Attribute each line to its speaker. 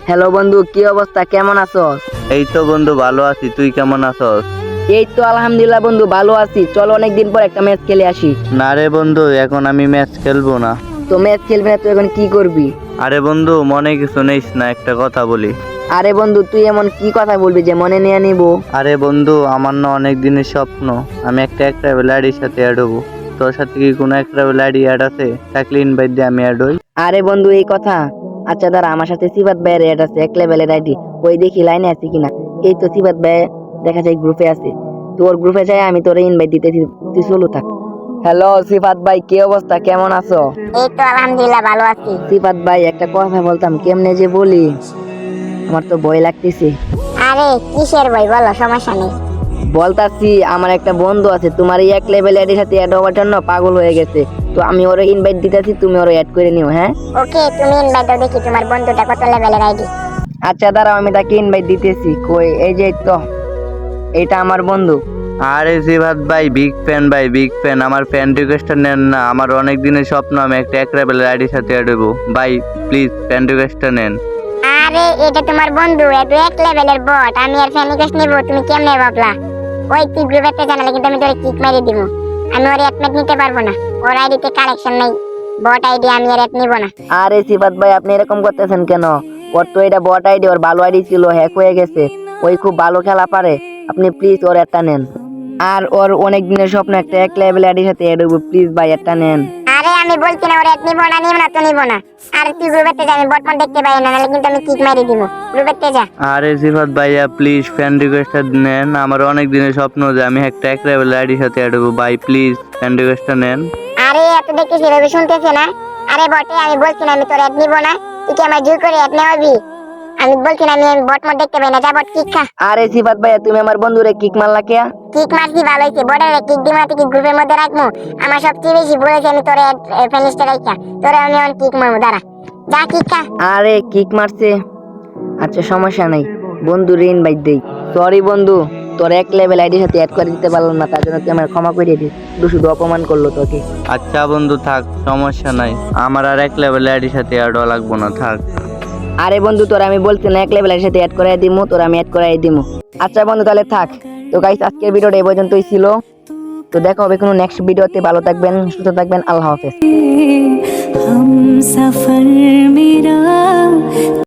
Speaker 1: Hello বন্ধু, কি অবস্থা, কেমন আছস?
Speaker 2: এই তো বন্ধু ভালো আছি, তুই কেমন আছস?
Speaker 1: এই তো আলহামদুলিল্লাহ বন্ধু, ভালো আছি। চল অনেকদিন পর একটা ম্যাচ খেলে আসি।
Speaker 2: না রে বন্ধু, এখন আমি ম্যাচ খেলবো না।
Speaker 1: তো ম্যাচ খেলবি না তো এখন কি করবি?
Speaker 2: আরে বন্ধু, মনে কিছু নেইস না, একটা কথা বলি।
Speaker 1: আরে বন্ধু, তুই এমন কি কথা বলবি যে মনে নিয়ে নিব?
Speaker 2: আরে বন্ধু, আমার না অনেক দিনের স্বপ্ন আমি একটা ট্রাভেল আইডির সাথে অ্যাড হবো। তোর সাথে কি কোনো একটা ট্রাভেল আইডি অ্যাড আছে? থাকলে ইনভাইট দিয়ে আমি অ্যাড হই।
Speaker 1: আরে বন্ধু, এই কথা? আচ্ছা দাঁড়া, আমার সাথে সিফাত ভাইয়ের অ্যাড আছে, এক লেভেলের আইডি। ওই দেখি লাইনে আছে কিনা। এই তো সিফাত ভাই দেখা যায় গ্রুপে আছে। তোর গ্রুপে যাই আমি তোরে ইনভাইট দিতেছি, তুই চলু থাক। হ্যালো সিফাত ভাই, কি অবস্থা, কেমন আছো?
Speaker 3: এই তো আলহামদুলিল্লাহ ভালো আছি।
Speaker 1: সিফাত ভাই, একটা কথা বলতাম, কেমনে যে বলি, আমার তো ভয় লাগতেছে।
Speaker 3: আরে কিসের বই বলো, সমস্যা নেই।
Speaker 1: বলতাছি, আমার একটা বন্ধু আছে তোমার এই এক লেভেল এর সাথে অ্যাড হওয়ার জন্য পাগল হয়ে গেছে। তো আমি ওরে ইনভাইট দিতেছি, তুমি ওরে অ্যাড করে নিও, হ্যাঁ?
Speaker 3: ওকে, তুমি ইনভাইট দাও, দেখি তোমার বন্ধুটা কত লেভেলের আইডি।
Speaker 1: আচ্ছা দাঁড়াও, আমি তাকে ইনভাইট দিতেছি। কই, এই যে তো, এটা আমার বন্ধু।
Speaker 2: আরে জিভাত ভাই, বিগ ফ্যান ভাই, বিগ ফ্যান। আমার ফ্যান রিকোয়েস্টটা নেন না, আমার অনেক দিনের স্বপ্ন আমি একটা ট্রাভেল আইডির সাথে অ্যাড হবো। ভাই প্লিজ ফ্যান রিকোয়েস্টটা নেন।
Speaker 3: আরে এটা তোমার বন্ধু, এত এক লেভেলের বট, আমি আর ফ্যান রিকোয়েস্ট নিব? তুমি কেমনে ভাবলা? ওই তুই গ্রুপে জানালে কিন্তু আমি তোরে কিক মেরে দিব। আমি ওর অ্যাড নিতে পারবো না, ওর আইডিতে কালেকশন নাই, বট আইডি, আমি আর অ্যাড নিব না।
Speaker 1: আরে সিফাত ভাই, আপনি এরকম করতেছেন কেন? ওর তো এটা বট আইডি, ওর ভালো আইডি ছিল, হ্যাক হয়ে গেছে। ওই খুব ভালো খেলা পারে, আপনি প্লিজ ওর একটা নেন। আর ওর অনেক দিনের স্বপ্ন একটা এক লেভেল আইডির সাথে অ্যাড হবো, প্লিজ ভাই একটা নেন।
Speaker 3: আরে আমি বলছি না ওর অ্যাড নিব না, নিব না তো নিব না। আর তুই গ্রুপে যা, আমি বটমন দেখতে পাই না, নাহলে কিন্তু আমি কিক মেরে দিব। গ্রুপে যা।
Speaker 2: আরে জিভাত ভাইয়া প্লিজ ফ্যান রিকোয়েস্টটা নেন, আমার অনেক দিনের স্বপ্ন যে আমি একটা ট্রাভেল আইডির সাথে অ্যাড হবো। ভাই প্লিজ ফ্যান রিকোয়েস্টটা নেন।
Speaker 3: আরে এত দেখতে সেভাবে শুনতেছে না। আরে বটে, আমি বলছি না আমি তোর অ্যাড নিব না, তুই কি আমার জোর করে অ্যাড নেওয়াবি? আমি বলছি না আমি বট মোড দেখতে পাই না, যা বট কিক খা।
Speaker 1: আরে সিফাত ভাইয়া, তুমি আমার বন্ধুরে কিক মারলা কে?
Speaker 3: কিক মারছি ভালো হইছে, বটের কিক দিমা তুই গ্রুপের মধ্যে রাখবো। আমার সবচেয়ে বেশি বলেছে আমি তোর ফিনিশটা রাখা, তোরে আমি অন কিক মারবো, দাঁড়া, যা কিক খা।
Speaker 1: আরে কিক মারছে, আচ্ছা সমস্যা নাই, বন্ধু ঋণ বাইর দেই। সরি বন্ধু, তোর এক লেভেল আইডির সাথে অ্যাড করে দিতে পারলাম না, তার জন্য তুই আমার ক্ষমা করে দিস। শুধু শুধু অপমান করলো তোকে।
Speaker 2: আচ্ছা বন্ধু থাক, সমস্যা নাই, আমার আর এক লেভেল আইডির সাথে অ্যাড হওয়া লাগবো না, থাক।
Speaker 1: আরে বন্ধু, তোর আমি বলছি না এক লেভেল আইডির সাথে অ্যাড করে দিমু, তোর আমি অ্যাড করে দিমু। আচ্ছা বন্ধু তাহলে থাক। তো গাইস, আজকের ভিডিওটা এই পর্যন্তই ছিল। তো দেখা হবে কোনো নেক্সট ভিডিওতে। ভালো থাকবেন, সুস্থ থাকবেন, আল্লাহ হাফেজ।
Speaker 4: हम सफर मेरा